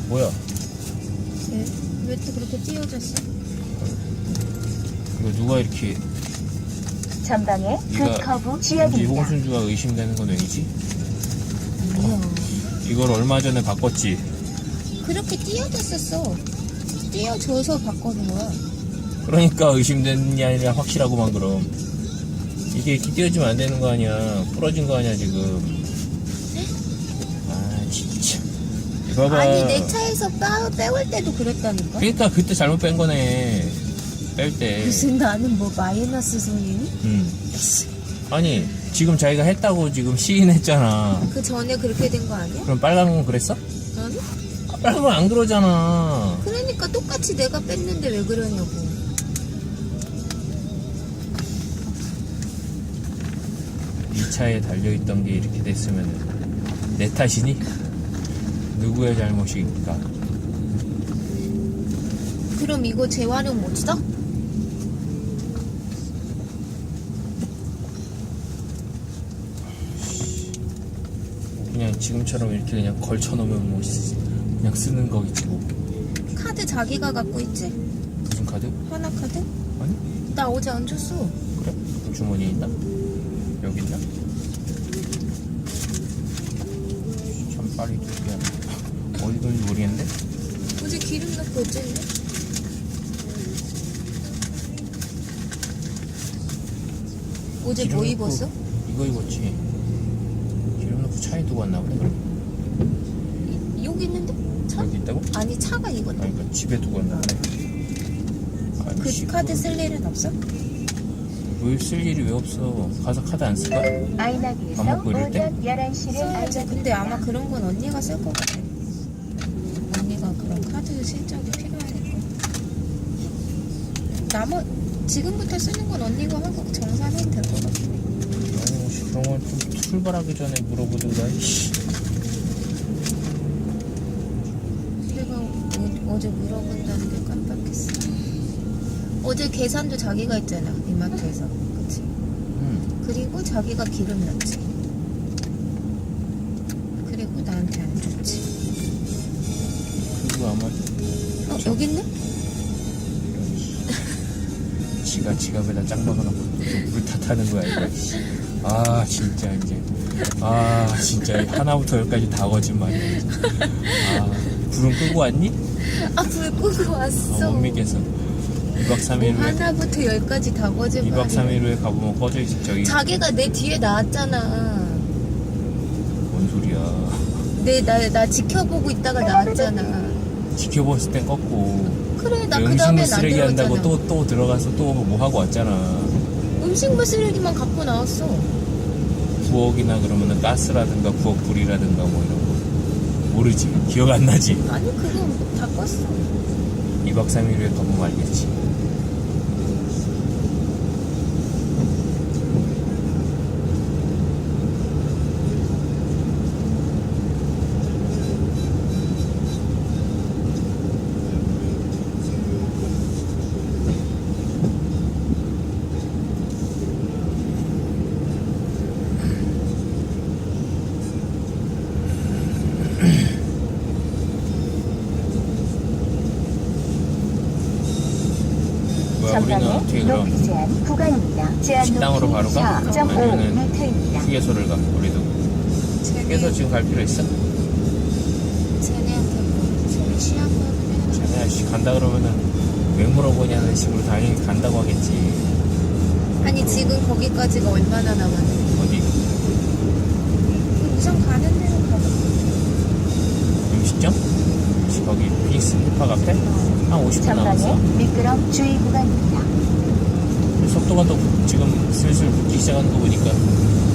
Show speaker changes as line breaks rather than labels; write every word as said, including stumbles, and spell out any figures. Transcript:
뭐야?
왜? 왜 또 그렇게 찢어졌어?
이거 누가 이렇게
전방에
네가
그 커브
왠지
지역입니다.
홍순주가 의심되는 건 왜이지?
아니야.
이걸 얼마 전에 바꿨지?
그렇게 찢어졌었어. 찢어져서 바꿔는 거야.
그러니까 의심되는 게 아니라 확실하고만. 그럼 이게 이렇게 띄워지면 안 되는 거 아니야. 부러진 거 아니야 지금. 아 진짜. 이거 봐봐.
아니 내 차에서 빼, 빼올 때도 그랬다니까.
그러니까 그때 잘못 뺀 거네. 뺄 때.
무슨 나는 뭐 마이너스 손이니?
응. 아니 지금 자기가 했다고 지금 시인했잖아.
그 전에 그렇게 된 거 아니야?
그럼 빨간 건 그랬어?
아니?
아, 빨간 건 안 그러잖아.
그러니까 똑같이 내가 뺐는데 왜 그러냐고.
이 차에 달려있던 게 이렇게 됐으면 내 탓이니? 누구의 잘못일까?
그럼 이거 재활용 못 써?
그냥 지금처럼 이렇게 그냥 걸쳐놓으면 뭐 쓰- 그냥 쓰는 거겠지 뭐.
카드 자기가 갖고 있지?
무슨 카드?
하나 카드?
아니?
나 어제 안 줬어.
그래? 그 주머니에 있나? 여기 있나? 참 빨리 두개 어디 있는지 모르겠는데?
어제 기름 넣고 어쨌네? 어제
기름
뭐
넣고
입었어?
이거 입었지. 기름 넣고 차에 두고 왔나 보네. 그럼
이- 여기 있는데? 차?
여기 있다고?
아니 차가 이건데.
아니 그러니까 집에 두고 왔나 보네. 아니,
그
씨,
카드 쓸 일은 없어?
왜 쓸 일이 왜 없어? 가서 카드 안 쓸 거야?
아이나비에서
밥 먹고 이럴 때?
오전 열한 시를
써야지. 근데 아마 그런 건 언니가 쓸 것 같아. 언니가 그런 카드 실적이 필요하니까. 나머 지금부터 쓰는 건 언니가 하고 정산해도 될 것 같아.
어, 씨, 그런 건 좀 출발하기 전에 물어보든가. 이씨.
내가 어, 어제 물어본다는 게 깜빡했어. 어제 계산도 자기가 했잖아, 이마트에서. 그치?
응.
그리고 자기가 기름 넣지. 그리고 나한테 안 줬지.
그리고 아마
어, 여기 있네?
지가 지갑에다 짱 박아놓고 물 탓하는 거야 이거. 씨. 아 진짜 이제 아 진짜 하나부터 열까지 다 거짓말이야. 아 불은 끄고 왔니?
아, 불 끄고
아,
왔어.
못 믿겠어. 이박 삼일
뭐
후에
하나부터 열까지 다 거짓말이야.
이박 삼일 후에 가보면 꺼져 있어. 저기
자기가 내 뒤에 나왔잖아.
뭔 소리야.
내, 나, 나 지켜보고 있다가 나왔잖아.
지켜봤을 땐 껐고
그래, 나 그
음식물
다음에 안
쓰레기
들어갔잖아.
한다고 또 또 들어가서 또 뭐 하고 왔잖아.
음식물 쓰레기만 갖고 나왔어.
부엌이나 그러면은 가스라든가 부엌 불이라든가 뭐 이런 거 모르지. 기억 안 나지.
아니, 그거 다 껐어.
이박 삼일 후에 가보면 알겠지. 뭐야 우리는 어떻게 그럼
높이 제한 구간입니다. 제한
식당으로
높이
바로 가?
사 점 오
아니면은
미터입니다.
휴게소를 가? 우리도 휴게소 지금 갈 필요 있어?
쟤네한테 뭐, 쟤네 취한 거는
쟤네 씨 간다 그러면은 왜 물어보냐는 식으로 당연히 간다고 하겠지.
아니, 지금 거기까지가 얼마나 남았는데.
어디?
우선 가는 데로 가봐.
음식점? 혹시 거기 피닉스 힙합 앞에? 한 오십 분 남았어.
전방에 미끄럼 주의 구간입니다.
속도가 또 지금 슬슬 붙기 시작하는 거 보니까